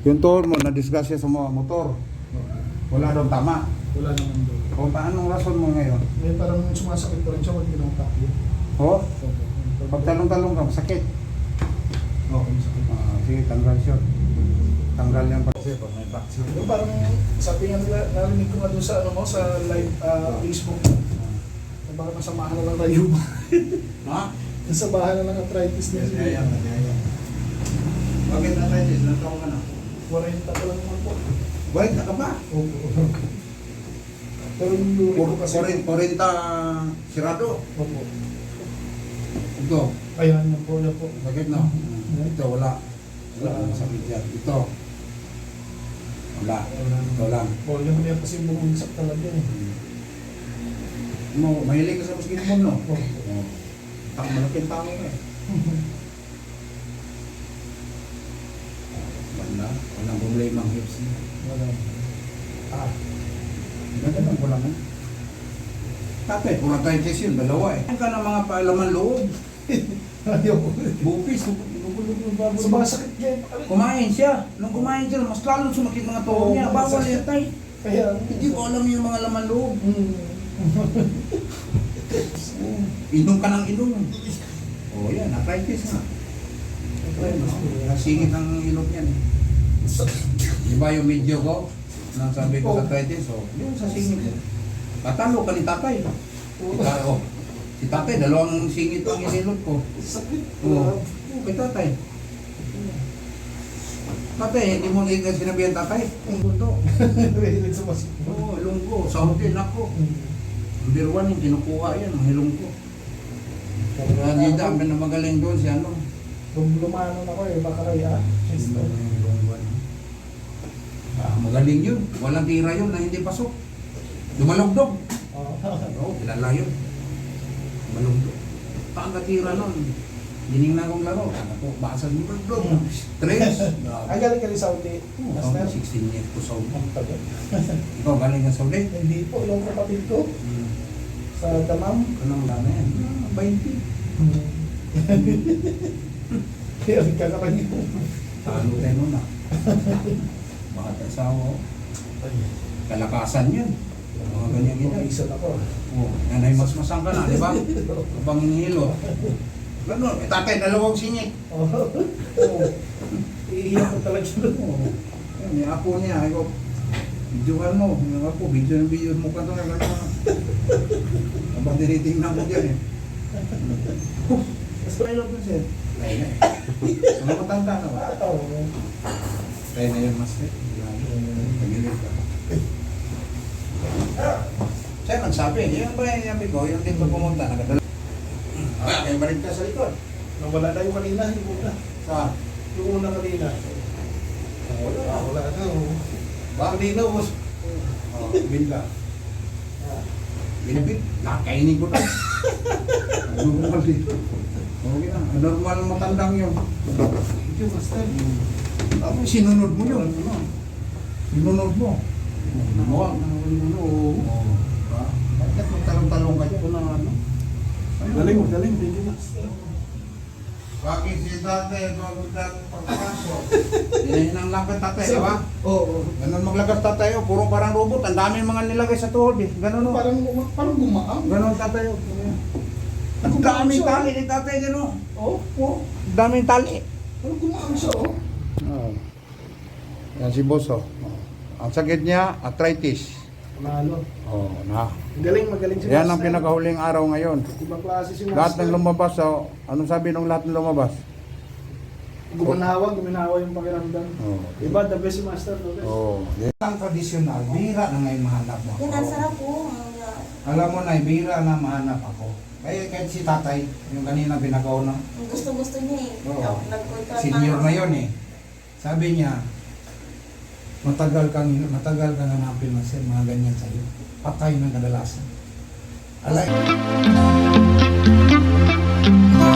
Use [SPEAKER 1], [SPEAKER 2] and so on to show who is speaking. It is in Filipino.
[SPEAKER 1] Yung tuhod mo, na-disgrasya sa mga motor. Wala daw tama.
[SPEAKER 2] Wala naman doon.
[SPEAKER 1] O anong rason mo ngayon?
[SPEAKER 2] Eh, parang sumasakit pa rin siya pag tinatakbo.
[SPEAKER 1] O? Pag talong-talong ka, sakit.
[SPEAKER 2] Oo, masakit.
[SPEAKER 1] Sige, tanggal siya. Tanggal yan pa. Kasi pag may vaccine.
[SPEAKER 2] Yung parang sabi nga nila, narinig ko nga doon sa, ano mo, sa live Facebook. Na baka nasamahan na lang tayo.
[SPEAKER 1] Ha?
[SPEAKER 2] Nasabahan na lang arthritis niya.
[SPEAKER 1] Bakit arthritis? Ilang taon ka na?
[SPEAKER 2] 40 pa lang naman po.
[SPEAKER 1] Bakit na ka ba?
[SPEAKER 2] Opo. Pero yung uric ko kasi...
[SPEAKER 1] 40 sirado.
[SPEAKER 2] Opo.
[SPEAKER 1] Ito.
[SPEAKER 2] Ayan, yan po, yan po.
[SPEAKER 1] Bakit no? Ito wala. Wala ang sakit yan. Ito. Wala. Ito lang.
[SPEAKER 2] O, yung niya kasi bumagsak talaga eh.
[SPEAKER 1] Mahilig ka sa basketball, no?
[SPEAKER 2] Opo.
[SPEAKER 1] Malaking tao ka eh. Walang problema ang hips niya.
[SPEAKER 2] Wala.
[SPEAKER 1] Ganun ko lang eh. Tatay, pura tayo test yun, dalawa eh. Ang ka ng mga paalaman loob.
[SPEAKER 2] Ayaw ko.
[SPEAKER 1] Bupis,
[SPEAKER 2] Sumasakit niya.
[SPEAKER 1] kumain siya. Nung kumain siya, mas lalong sumakit mga tuhod niya. Bawal yan tay.
[SPEAKER 2] Kaya...
[SPEAKER 1] Hindi ko alam yung mga laman loob.
[SPEAKER 2] Hmm.
[SPEAKER 1] Inom ka ng inom. Oh yan, arthritis nga. Nasingit ang ilog yan eh. Di ba yung video ko? Nang sabi ko sa arthritis, oh, yun sa singit. Patalo ka ni tatay. Oh, si tatay, dalawang singit ang inilog ko.
[SPEAKER 2] Sakit.
[SPEAKER 1] Oo, kay tatay. Tatay, hindi mo na sinabihan tatay. Ang buto.
[SPEAKER 2] Nahilig sa basketball.
[SPEAKER 1] Oo, ilong ko. Sa hotel ako. Number 1 yung kinukuha yan, ang hilong ko. Kaya hindi dami na magaling doon si ano.
[SPEAKER 2] Lumanon ako eh, baka kaya.
[SPEAKER 1] Magaling yun. Walang tira yun na hindi pasok. Dumalogdog. Oo, kilala yun. Dumalogdog. Pagkatira nun. Dinignan kong laro. Ano po, basag mo logdog. Stress.
[SPEAKER 2] Ay, galing ka rin Saudi.
[SPEAKER 1] Saudi, 16 years ko Saudi.
[SPEAKER 2] Ang tagal.
[SPEAKER 1] Ikaw, galing ka Saudi?
[SPEAKER 2] Hindi po, yung kapatid ko. Sa Damam.
[SPEAKER 1] Anong dami yan? 20.
[SPEAKER 2] Kaya nagkakaroon yun.
[SPEAKER 1] Talo tayo nun ah. Bakit asawa ko? Kalakasan yan. Mga ganyan gina.
[SPEAKER 2] Isa na ko.
[SPEAKER 1] Oo, yan ay masmasang ka na, di ba? Abang hinihilo. Ganun, may tatay, dalawang singit.
[SPEAKER 2] Oo. Iiyak ko talaga siya doon.
[SPEAKER 1] Oo. Yan, yung apo niya, ay ko, videohan mo. Yung apo, video mo ka doon. Gano'n. Abang tinitingnan ko dyan eh. Mas kayo ko siya. Kaya na eh. Ano matanda na ba? Kaya na yun, mas eh. Pagilid ka. Siya nagsabi, yun ba yung sabi ko, yung dito pumunta, nagadala. Kaya balik ka sa likod.
[SPEAKER 2] Nawala na yung kanina, yung una.
[SPEAKER 1] Saan?
[SPEAKER 2] Yung una kanina. Wala na.
[SPEAKER 1] Ba?
[SPEAKER 2] Kanina, was...
[SPEAKER 1] Binda. Binibit, nakainin ko na. Normal dito. Okay na, normal matandang yun.
[SPEAKER 2] Thank you, Master.
[SPEAKER 1] Tapos sinunod mo yun. Sinunod mo. Namuha. Oo. Bakit magtalong-talong ka dyan? Ano?
[SPEAKER 2] Galing. Thank you, Master.
[SPEAKER 1] Bakit si tatay pagpasok? Hinahinang lakad tatay, di ba?
[SPEAKER 2] Oo.
[SPEAKER 1] Ganun maglagas tatay, oh. Puro parang robot. Ang daming mga nilagay sa tuhod eh. Ganun oh.
[SPEAKER 2] Parang gumaang.
[SPEAKER 1] Ganun tatay. Oh. Ang daming tali ni tatay gano'n.
[SPEAKER 2] Oo.
[SPEAKER 1] Daming tali.
[SPEAKER 2] Parang gumaang siya, oh.
[SPEAKER 1] Oh. Yan si boss oh. Ang sakit niya, arthritis.
[SPEAKER 2] Nalo.
[SPEAKER 1] Oh, na.
[SPEAKER 2] Magaling si
[SPEAKER 1] Yan ang
[SPEAKER 2] Master.
[SPEAKER 1] pinakahuling araw ngayon.
[SPEAKER 2] Ibang klase si Master.
[SPEAKER 1] Lahat ng lumabas, oh. Anong sabi ng lahat ng lumabas?
[SPEAKER 2] Guminawa yung pakiramdam.
[SPEAKER 1] Oh.
[SPEAKER 2] Iba, the best si Master. No?
[SPEAKER 1] Oh. Ang tradisyonal, bihira na ngayon mahanap mo.
[SPEAKER 3] Yan, ang sarap po.
[SPEAKER 1] Alam mo na, bihira na mahanap ako. Kaya kahit si tatay, yung kanina binagaw na,
[SPEAKER 3] Ang gusto-gusto niya eh.
[SPEAKER 1] Oo.
[SPEAKER 3] Nagpunta
[SPEAKER 1] senior na yun eh. Sabi niya, matagal kang hanapin na siya, mga ganyan sa'yo. Patay ng kadalasan. Alay.